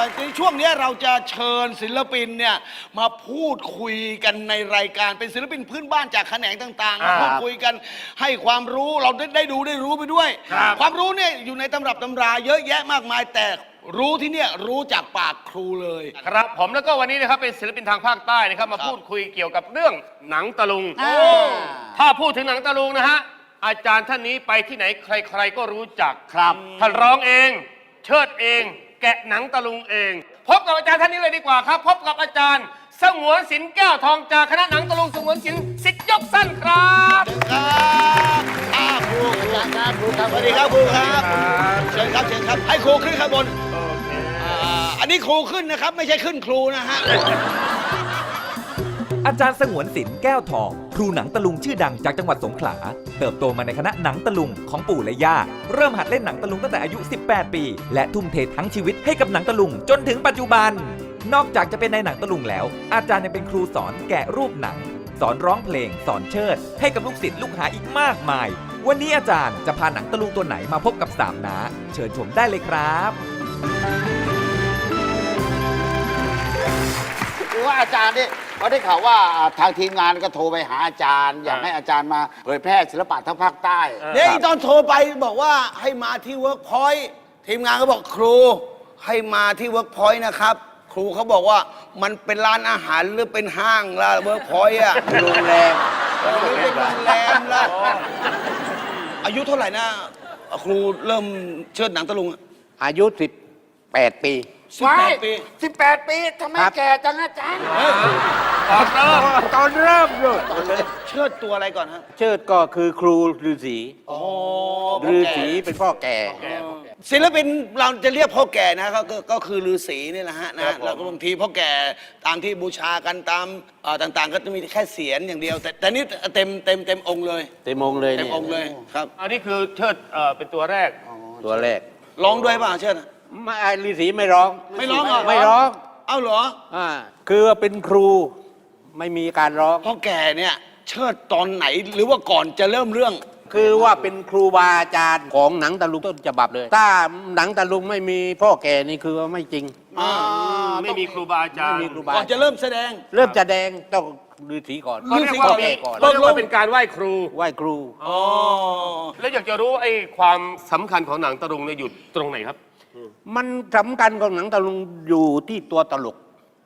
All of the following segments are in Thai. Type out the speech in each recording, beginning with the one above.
ในช่วงนี้เราจะเชิญศิลปินเนี่ยมาพูดคุยกันในรายการเป็นศิลปินพื้นบ้านจากแขนงต่างๆมาพูดคุยกันให้ความรู้เราได้รู้ไปด้วย ความรู้เนี่ยอยู่ในตำรับตำราเยอะแยะมากมายแต่รู้ที่เนี่ยรู้จากปากครูเลยครับผมแล้วก็วันนี้นะครับเป็นศิลปินทางภาคใต้นะครับมาพูดคุยเกี่ยวกับเรื่องหนังตะลุงถ้าพูดถึงหนังตะลุงนะฮะอาจารย์ท่านนี้ไปที่ไหนใครๆก็รู้จักครับท่านร้องเองเชิดเองแกะหนังตะลุงเองพบกับอาจารย์ท่านนี้เลยดีกว่าครับพบกับอาจารย์สงวนศิลป์แก้วทองจากคณะหนังตะลุงสงวนศิลป์สิทธิ์ยกสั้นครับครูครับครูครับสวัสดีครับครูครับเชิญครับให้ครูขึ้นข้างบนอันนี้ครูขึ้นนะครับไม่ใช่ขึ้นครูนะฮะอาจารย์สงวนศิลป์แก้วทองครูหนังตะลุงชื่อดังจากจังหวัดสงขลาเติบโตมาในคณะหนังตะลุงของปู่และย่าเริ่มหัดเล่นหนังตะลุงตั้งแต่อายุ 18 ปีและทุ่มเททั้งชีวิตให้กับหนังตะลุงจนถึงปัจจุบันนอกจากจะเป็นในหนังตะลุงแล้วอาจารย์ยังเป็นครูสอนแกะรูปหนังสอนร้องเพลงสอนเชิดให้กับลูกศิษย์ลูกหาอีกมากมายวันนี้อาจารย์จะพาหนังตะลุงตัวไหนมาพบกับ3 น้าเชิญชมได้เลยครับคือว่าอาจารย์นี่เขาได้ข่าวว่าทางทีมงานก็โทรไปหาอาจารย์อยากให้อาจารย์มาเผยแพร่ศิลปะทั้งภาคใต้เนี่ยตอนโทรไปบอกว่าให้มาที่เวิร์กพอยต์ทีมงานก็บอกครูให้มาที่เวิร์กพอยต์นะครับครูเขาบอกว่ามันเป็นร้านอาหารหรือเป็นห้างละเวิร์กพอยต์อะโรงแรมเป็นโรงแรมละอายุเท่าไหร่นะครูเริ่มเชิดหนังตะลุงอายุ18 ปี 18 ปี 18 ปีทำไมแก่จังอาจารย์ตอนเริ่มเลยเชิดตัวอะไรก่อนฮะเชิดก็คือครูฤาษีฤาษีเป็นพ่อแก่ศิลปินเราจะเรียกพ่อแก่นะก็คือฤาษีนี่แหละฮะนะแล้วก็บางทีพ่อแก่ตามที่บูชากันตามต่างๆก็จะมีแค่เสียรอย่างเดียวแต่นี่เต็มองค์เลยเต็มองค์เลยเต็มองค์เลยครับอันนี้คือเชิดเป็นตัวแรกร้องด้วยป่ะเชิดไม่ฤาษีไม่ร้องไม่ร้องเอ้าเหรอคือเป็นครูไม่มีการร้องพ่อแก่เนี่ยเชิดตอนไหนหรือว่าก่อนจะเริ่มเรื่องคือว่าเป็นครูบาอาจารย์ของหนังตะลุงต้นฉบับเลยถ้าหนังตะลุงไม่มีพ่อแก่นี่คือไม่จริงไม่มีครูบาอาจารย์ก่อนจะเริ่มแสดงต้องฤาษีก่อนฤาษีก่อนเรียกว่าเป็นการไหว้ครูแล้วอยากจะรู้ไอ้ความสำคัญของหนังตะลุงเนี่ยอยู่ตรงไหนครับมันสำคัญของหนังตะลุงอยู่ที่ตัวตลก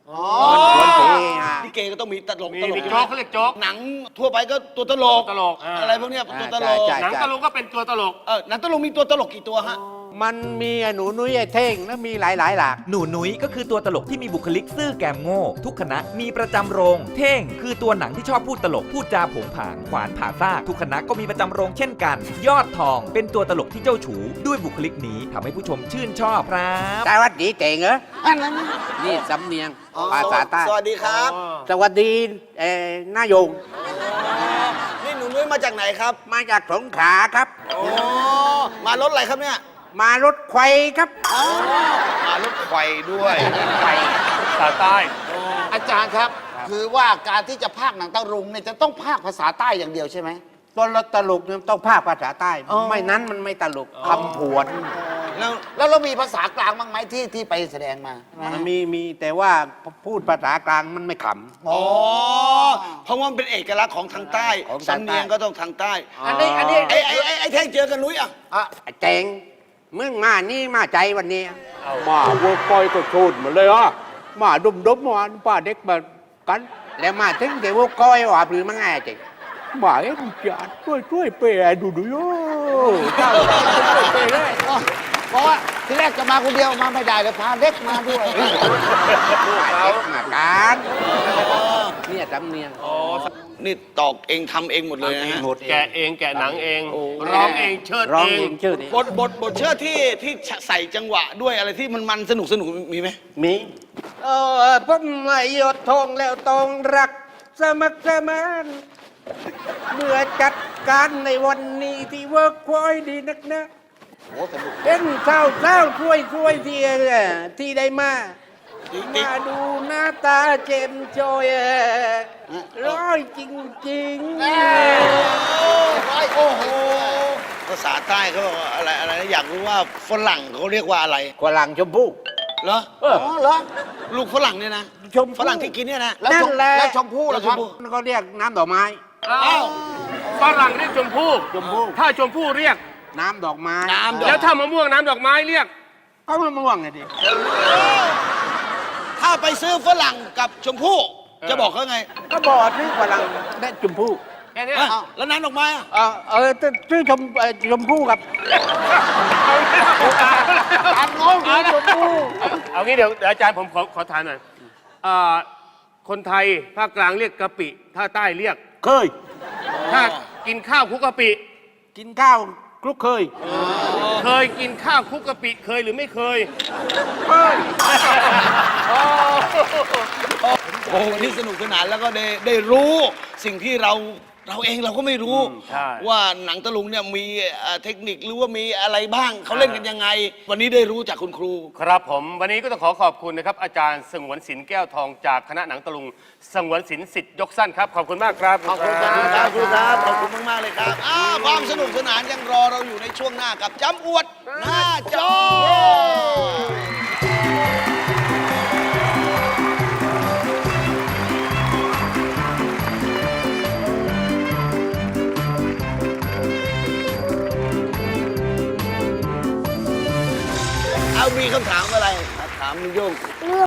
ที่เกก็ต้องมีตลกมีโจ๊กเขาเรียกโจ๊กหนังทั่วไปก็ตัวตลกอะไรพวกนี้ตัวตลกหนังตะลุงก็เป็นตัวตลกหนังตะลุงมีตัวตลกกี่ตัวฮะมันมีหนูนุ้ยไอ้เท่งแล้วมีหลายหลากหนูนุ้ยก็คือตัวตลกที่มีบุคลิกซื่อแกมโง่ทุกคณะมีประจำโรงเท่งคือตัวหนังที่ชอบพูดตลกพูดจาผงผางขวานผ่าซากทุกคณะก็มีประจำโรงเช่นกันยอดทองเป็นตัวตลกที่เจ้าชู้ด้วยบุคลิกนี้ทำให้ผู้ชมชื่นชอบครับสวัสดีเจ๋งเหรอนี่สำเนียงภาษาใต้สวัสดีครับสวัสดีนายงนี่หนูนุ้ยมาจากไหนครับมาจากสงขลาครับมารถอะไรครับเนี่ยมารถไฟครับมารถไฟด้วยไฟภาษาใต้อาจารย์ครับคือว่าการที่จะพากย์หนังตะลุงเนี่ยจะต้องพากย์ภาษาใต้อย่างเดียวใช่ไหมตอนเราตลกเนี่ยต้องพากย์ภาษาใต้ไม่นั้นมันไม่ตลกคำผวนแล้วเรามีภาษากลางบ้างไหมที่ไปแสดงมามีแต่ว่าพูดภาษากลางมันไม่ขำเพราะว่ามันเป็นเอกลักษณ์ของทางใต้สำเนียงก็ต้องทางใต้อันนี้ไอ้แท่งเจอกันนุ้ยเจ๋งมึงมานี่มาใจวันนี้มาวัวปอยก็ชูดหมดเลยมาดุมมาป้าเด็กมากันแล้วมาถึงเดี๋ยววัวก้อยว่าหรือมั้งไงเจ๋งมาเอ็มจัดช่วยเปย์ดูโย่เพราะว่าที่แรกจะมาคนเดียวมาไม่ได้เลยพาเด็กมาด้วยเด็กมาการเนี่ยจำเนียงนี่ตอกเองทำเองหมดเลยนะฮะแกะเองแกะหนังเองร้องเองเชิดเองบทเชิดที่ใส่จังหวะด้วยอะไรที่มันสนุกมีไหมมีพ้นไม่หยดทองแล้วต้องรักสมัครสมานเมื่อจัดการในวันนี้ที่เวิร์กพอยต์ดีนักนะเป็นเศร้าช่วยที่ได้มาดูหน้าตาเจมจอยร้อยจริงโอ้โหภาษาใต้เขาบอกอะไรอยากรู้ว่าฝรั่งเขาเรียกว่าอะไรฝรั่งชมพู่เหรอเอออ๋อเหรอลูกฝรั่งเนี่ยนะชมพู่ฝรั่งที่กินเนี่ยนะนั่นแหละแล้วชมพู่ล่ะครับมันก็เรียกน้ำดอกไม้อ้าวฝรั่งเรียกชมพู่ชมพู่ถ้าชมพู่เรียกน้ำดอกไม้น้ำดอกแล้วถ้ามะม่วงน้ำดอกไม้เรียกก็มะม่วงไงดิถ้าไปซื้อฝรั่งกับชมพู่จะบอกเขาไงก็บอกที่ฝรั่งได้ชมพู่แค่นี้อ่ะแล้วน้ำดอกไม้อ่ะชื่อชมพู่กับตามงงชมพู่เอางี้เดี๋ยวอาจารย์ผมขอถามหน่อยคนไทยภาคกลางเรียกกะปิภาคใต้เรียกเคยถ้ากินข้าวคลุกกะปิกินข้าวคลุกเคยเคยกินข้าวคลุกกะปิเคยหรือไม่เคยเคยโอ้วันนี้สนุกสนานแล้วก็ได้รู้สิ่งที่เราเองเราก็ไม่รู้ใช่ว่าหนังตะลุงเนี่ยมีเทคนิคหรือว่ามีอะไรบ้างเขาเล่นกันยังไง วันนี้ได้รู้จากคุณครูครับผมวันนี้ก็ต้องขอบคุณนะครับอาจารย์สงวนศิลป์แก้วทองจากคณะหนังตะลุงสงวนศิลป์สิทธิ์ยกสั้นครับขอบคุณมากครับขอบคุณครับขอบคุณมากๆเลยครับความสนุกสนานยังรอเราอยู่ในช่วงหน้ากับจำอวดหน้าจอ เอามีคำถามอะไรถามลุงโยงเรื่อง